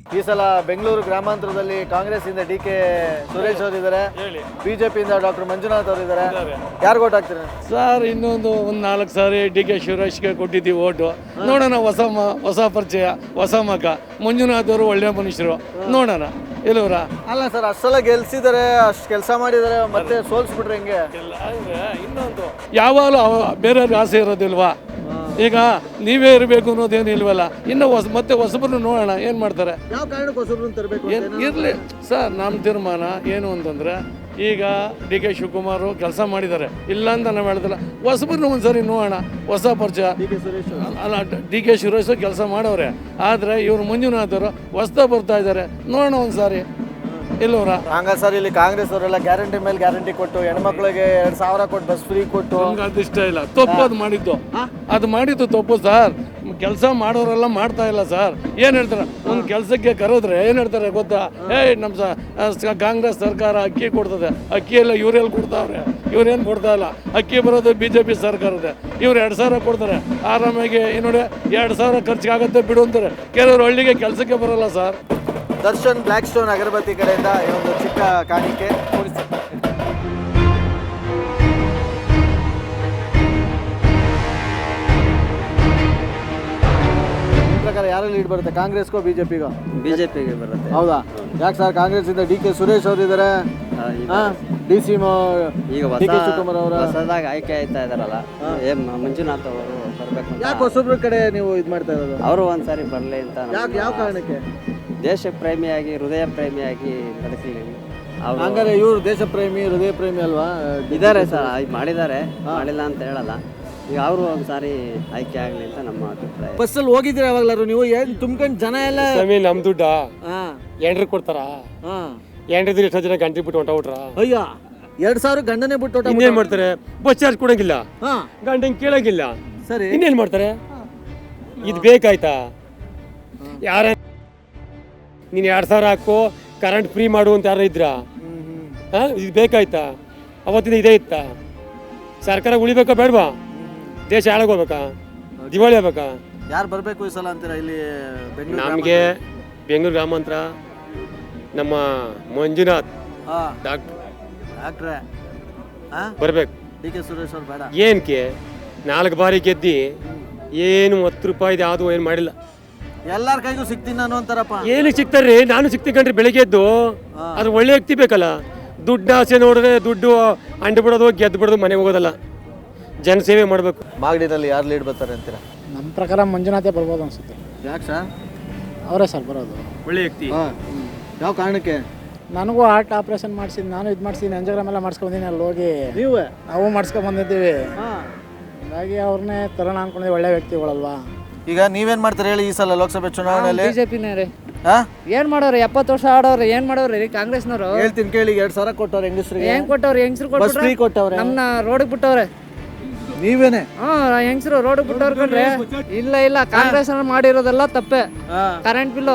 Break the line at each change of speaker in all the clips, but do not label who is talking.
ಈ ಸಲ ಬೆಂಗಳೂರು ಗ್ರಾಮಾಂತರದಲ್ಲಿ ಕಾಂಗ್ರೆಸ್ ಇಂದ ಡಿ ಕೆ ಸುರೇಶ್ ಅವರು ಇದ್ದಾರೆ, ಬಿಜೆಪಿಯಿಂದ ಡಾಕ್ಟರ್ ಮಂಜುನಾಥ್ ಅವರು ಇದ್ದಾರೆ. ಯಾರು ಓಟ್ ಹಾಕ್ತೀರಾ
ಸರ್? ಇನ್ನೊಂದು 4 ಸಾರಿ ಡಿ ಕೆ ಶಿವರಾಜ್ಗೆ ಕೊಟ್ಟಿದ್ದೀವಿ ಓಟು. ನೋಡೋಣ, ಹೊಸ ಪರಿಚಯ, ಹೊಸ ಮಗ. ಮಂಜುನಾಥ್ ಅವರು ಒಳ್ಳೆ ಮನುಷ್ಯರು, ನೋಡೋಣ ಎಲ್ಲವರ.
ಅಲ್ಲ ಸರ್, ಅಷ್ಟೆಲ್ಲ ಗೆಲ್ಸಿದ್ದಾರೆ, ಅಷ್ಟು ಕೆಲಸ ಮಾಡಿದ್ದಾರೆ, ಮತ್ತೆ ಸೋಲ್ಸ್ಬಿಟ್ರೆ ಹೆಂಗೆ?
ಇನ್ನೊಂದು ಯಾವಾಗಲೂ ಬೇರೆಯವ್ರಿಗೆ ಆಸೆ ಇರೋದಿಲ್ವಾ? ಈಗ ನೀವೇ ಇರಬೇಕು ಅನ್ನೋದೇನು ಇಲ್ವಲ್ಲ. ಇನ್ನು ಮತ್ತೆ ಹೊಸಬ್ರು ನೋಡೋಣ ಏನು ಮಾಡ್ತಾರೆ.
ಯಾವ ಕಾರಣಕ್ಕೆ ಹೊಸಬ್ರನ್ನ ತರಬೇಕು?
ಇರಲಿ ಸರ್, ನಮ್ಮ ತೀರ್ಮಾನ ಏನು ಅಂತಂದರೆ, ಈಗ ಡಿ ಕೆ ಶಿವಕುಮಾರ್ ಕೆಲಸ ಮಾಡಿದ್ದಾರೆ, ಇಲ್ಲ ಅಂತ ನಾವು ಹೇಳ್ತಿಲ್ಲ. ಹೊಸಬ್ರನ್ನ ಒಂದ್ಸರಿ ನೋಡೋಣ, ಹೊಸ ಪರಿಚಯ. ಅಲ್ಲ, ಡಿ ಕೆ ಸುರೇಶ್ ಕೆಲಸ ಮಾಡವ್ರೆ, ಆದರೆ ಇವರು ಮಂಜುನಾಥ್ ಅವರು ಹೊಸ್ದಾಗಿ ಬರ್ತಾ ಇದ್ದಾರೆ, ನೋಡೋಣ ಒಂದ್ಸಾರಿ ಎಲ್ಲವರ.
ಹಂಗ ಸರ್, ಇಲ್ಲಿ ಕಾಂಗ್ರೆಸ್ ಅವರೆಲ್ಲ ಗ್ಯಾರಂಟಿ ಮೇಲೆ ಗ್ಯಾರಂಟಿ ಕೊಟ್ಟು ಹೆಣ್ಮಕ್ಳಿಗೆ 2,000 ಕೊಟ್ಟು ಬಸ್ ಫ್ರೀ ಕೊಟ್ಟು.
ಅದು ಇಷ್ಟ ಇಲ್ಲ, ತಪ್ಪು. ಅದು ಮಾಡಿದ್ದು ತಪ್ಪು ಸರ್. ಕೆಲಸ ಮಾಡೋರೆಲ್ಲ ಮಾಡ್ತಾ ಇಲ್ಲ ಸರ್. ಏನು ಹೇಳ್ತಾರೆ, ಒಂದು ಕೆಲಸಕ್ಕೆ ಕರೆದ್ರೆ ಏನು ಹೇಳ್ತಾರೆ ಗೊತ್ತಾ? ನಮ್ಮ ಕಾಂಗ್ರೆಸ್ ಸರ್ಕಾರ ಅಕ್ಕಿ ಕೊಡ್ತದೆ, ಅಕ್ಕಿ ಎಲ್ಲ ಇವರೆಲ್ಲಿ ಕೊಡ್ತಾವ್ರೆ? ಇವ್ರೇನು ಕೊಡ್ತಾ ಇಲ್ಲ. ಅಕ್ಕಿ ಬರೋದು BJP ಸರ್ಕಾರದ. ಇವ್ರು 2,000 ಕೊಡ್ತಾರೆ ಆರಾಮಾಗಿ. ನೋಡಿ, 2,000 ಖರ್ಚಿಗಾಗತ್ತೆ ಬಿಡು ಅಂತಾರೆ. ಕೆಲವರು ಹಳ್ಳಿಗೆ ಕೆಲಸಕ್ಕೆ ಬರೋಲ್ಲ sir.
Darshan black stone agarbatti ಕಡೆಯಿಂದ ಒಂದು ಚಿಕ್ಕ ಕಾಣಿಕೆ ಕೊಡಿಸಿ. ನಿಮ್ಮ ಪ್ರಕಾರ ಯಾರು ಲೀಡ್ ಬರುತ್ತೆ, ಕಾಂಗ್ರೆಸ್ಗೋ ಬಿಜೆಪಿಗೋ?
ಬಿಜೆಪಿಗೆ ಬರುತ್ತೆ.
ಹೌದಾ? ಯಾಕೆ ಸರ್? ಕಾಂಗ್ರೆಸ್ ಇಂದ ಡಿ ಕೆ ಸುರೇಶ್ ಅವರು ಇದ್ದಾರೆ, ಡಿ ಸಿ
ಈಗ
ಶಿವಕುಮಾರ್ ಅವರ
ಹೊಸದಾಗಿ ಆಯ್ಕೆ ಆಯ್ತಾ ಇದಾರಲ್ಲ, ಮಂಜುನಾಥ್ ಅವರು ಬರ್ಬೇಕು.
ಯಾಕೆ ಹೊಸಬ್ರ ಕಡೆ ನೀವು ಇದು ಮಾಡ್ತಾ ಇರೋದು?
ಅವರು ಒಂದ್ಸಾರಿ ಬರ್ಲಿ ಅಂತ.
ಯಾವ ಕಾರಣಕ್ಕೆ?
ದೇಶ ಪ್ರೇಮಿಯಾಗಿ, ಹೃದಯ ಪ್ರೇಮಿಯಾಗಿ ಬದುಕಲಿ.
ಹಂಗಾರೆ ಇವರು ದೇಶ ಪ್ರೇಮಿ, ಹೃದಯ ಪ್ರೇಮಿ ಅಲ್ವಾ?
ಇದ್ದಾರೆ ಸರ್, ಮಾಡಿದ್ದಾರೆ, ಮಾಡಿಲ್ಲ ಅಂತ ಹೇಳಲ್ಲ. ಈಗ ಅವರು ಒಂದ್ಸಾರಿ ಆಯ್ಕೆ ಆಗಲಿ ಅಂತ ನಮ್ಮ ಅಭಿಪ್ರಾಯ.
ಬಸ್ಸಲ್ಲಿ ಹೋಗಿದ್ದೀರಾ ಯಾವಾಗ್ಲಾರು ನೀವು? ಏನು ತುಂಬ್ಕೊಂಡು ಜನ ಎಲ್ಲ
ನಮ್ಮ ದುಡ್ಡ ಎಂಡ್ರಿಗೆ ಕೊಡ್ತಾರ? ಎಂಡ್ರಿದ್ರೆ ಎಷ್ಟೋ ಜನ ಗಂಟೆ ಬಿಟ್ಟು ಹೊಂಟೋಗ್ಬಿಟ್ರ?
ಅಯ್ಯ, 2,000 ಗಂಡನೇ ಬಿಟ್ಟು
ಇನ್ನೇನ್ ಮಾಡ್ತಾರೆ? ಬಸ್ ಚಾರ್ಜ್ ಕೊಡಂಗಿಲ್ಲ, ಗಂಟೆ ಕೇಳಂಗಿಲ್ಲ.
ಸರಿ,
ಇನ್ನೇನ್ ಮಾಡ್ತಾರೆ? ಇದು ಬೇಕಾಯ್ತಾ? ಯಾರ ನೀನು 2,000 ಹಾಕು, ಕರೆಂಟ್ ಫ್ರೀ ಮಾಡು ಅಂತ ಯಾರು ಇದ್ರ? ಇದು ಬೇಕಾಯ್ತಾ? ಅವತ್ತಿನ ಇದೇ ಇತ್ತಾ? ಸರ್ಕಾರ ಉಳಿಬೇಕಾ ಬೇಡವಾ? ದೇಶ ಹಾಳಾಗೋಗ್ಬೇಕಾ? ದಿವಾಳಿ ಆಗ್ಬೇಕಾ?
ಯಾರು ಬರಬೇಕು ಈ ಸಲ ಅಂತೀರಾ ಇಲ್ಲಿ ಬೆಂಗಳೂರು?
ನಮಗೆ ಬೆಂಗಳೂರು ಗ್ರಾಮಾಂತರ ನಮ್ಮ ಮಂಜುನಾಥ್
ಡಾಕ್ಟ್ರೇ
ಬರ್ಬೇಕು.
ಡಿ ಕೆ ಸುರೇಶ್ ಅವ್ರು ಬೇಡ.
ಏನಕ್ಕೆ? 4 ಬಾರಿ ಗೆದ್ದಿ ಏನು 10 ರೂಪಾಯಿದು ಯಾವುದು ಏನು ಮಾಡಿಲ್ಲ.
ಎಲ್ಲಾರ ಕೈಗೂ ಸಿಗ್ತೀನಿ ನಾನು ಅಂತಾರಪ್ಪ.
ಏನಕ್ಕೆ ಸಿಗ್ತಾರ್ರಿ? ನಾನು ಸಿಗ್ತೀನಿ ಕಣ್ರಿ. ಬೆಳಿಗ್ಗೆ ಎದ್ದು ಅದು ಒಳ್ಳೆ ವ್ಯಕ್ತಿ ಬೇಕಲ್ಲ. ದುಡ್ಡು ಆಸೆ ನೋಡಿದ್ರೆ ದುಡ್ಡು ಅಂಡು ಬಿಡೋದು, ಗೆದ್ದು ಬಿಡೋದು, ಮನೆಗೆ ಹೋಗೋದಲ್ಲ. ಜನಸೇವೆ ಮಾಡಬೇಕು.
ಮಾಗಡಿನಲ್ಲಿ ಯಾರು ಲೀಡ್ ಬರ್ತಾರೆ ಅಂತೀರಾ?
ನಮ್ಮ ಪ್ರಕಾರ ಮಂಜುನಾಥೇ ಬರ್ಬೋದು ಅನ್ಸುತ್ತೆ.
ಯಾಕೆ ಸರ್?
ಅವರೇ ಸರ್ ಬರೋದು.
ಒಳ್ಳೆ ವ್ಯಕ್ತಿ.
ಯಾವ ಕಾರಣಕ್ಕೆ?
ನನಗೂ ಹಾರ್ಟ್ ಆಪ್ರೇಷನ್ ಮಾಡಿಸಿದ್ದು, ನಾನು ಇದು ಮಾಡಿಸಿದ್ದೀನಿ, ಎಂಜೋಗ್ರಾಮ್ ಎಲ್ಲ ಮಾಡಿಸ್ಕೊಂಬಂದಿನಿ. ಅಲ್ಲಿ ಹೋಗಿ
ನೀವೇ?
ನಾವು ಮಾಡಿಸ್ಕೊಂಬಂದಿದ್ದೀವಿ. ಹಾಗಾಗಿ ಅವ್ರನ್ನೇ ತರೋಣ ಅನ್ಕೊಂಡಿದ್ದೀವಿ. ಒಳ್ಳೆ ವ್ಯಕ್ತಿಗಳಲ್ವಾ.
ಈಗ ನೀವೇನ್ ಮಾಡ್ತಾರೆ ಹೇಳಿ ಈ ಸಲ ಲೋಕಸಭೆ ಚುನಾವಣೆಯಲ್ಲಿ?
ಬಿಜೆಪಿನೇ ರೀ. ಏನ್ ಮಾಡೋರು? 70 ವರ್ಷ ಆಡೋರು ಏನ್ ಮಾಡೋರು ರೀ ಕಾಂಗ್ರೆಸ್ನವರು?
ಹೇಳ್ತೀನಿ ಕೇಳಿ. 2,000 ಕೊಟ್ಟವ್ರೆ ಹೆಂಗಸ್ರಿಗೆ.
ಏನ್ ಕೊಟ್ಟವ್ರು? ಹೆಂಗಸ್ರು ಕೊಟ್ಟವ್ರೆ, ನಮ್ನ ರೋಡಿಗೆ ಬಿಟ್ಟವ್ರೆ.
ನೀವೇನೆ?
ಹೆಂಗಸ್ರು ರೋಡಿಗೆ ಬಿಟ್ಟವ್ರ ಕಣ್ರಿ. ಇಲ್ಲ, ಕಾಂಗ್ರೆಸ್ ಮಾಡಿರೋದೆಲ್ಲ ತಪ್ಪೆ. ಕರೆಂಟ್ ಬಿಲ್ಲು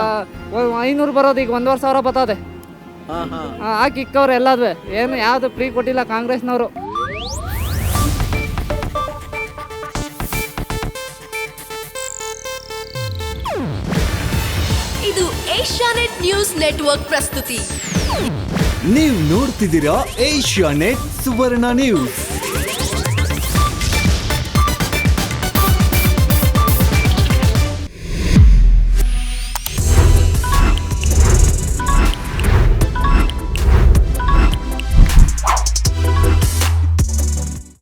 500 ಬರೋದು ಈಗ 1,500 ಬರ್ತದೆ. ಹಾಕಿ ಇಕ್ಕವ್ರೆ ಎಲ್ಲದ್ವೆ. ಏನು ಯಾವ್ದು ಫ್ರೀ ಕೊಟ್ಟಿಲ್ಲ ಕಾಂಗ್ರೆಸ್ನವರು.
ಇದು ಏಷ್ಯಾನೆಟ್ ನ್ಯೂಸ್ ನೆಟ್ವರ್ಕ್ ಪ್ರಸ್ತುತಿ.
ನೀವು ನೋಡ್ತಿದ್ದೀರಾ ಏಷ್ಯಾನೆಟ್ ಸುವರ್ಣ ನ್ಯೂಸ್.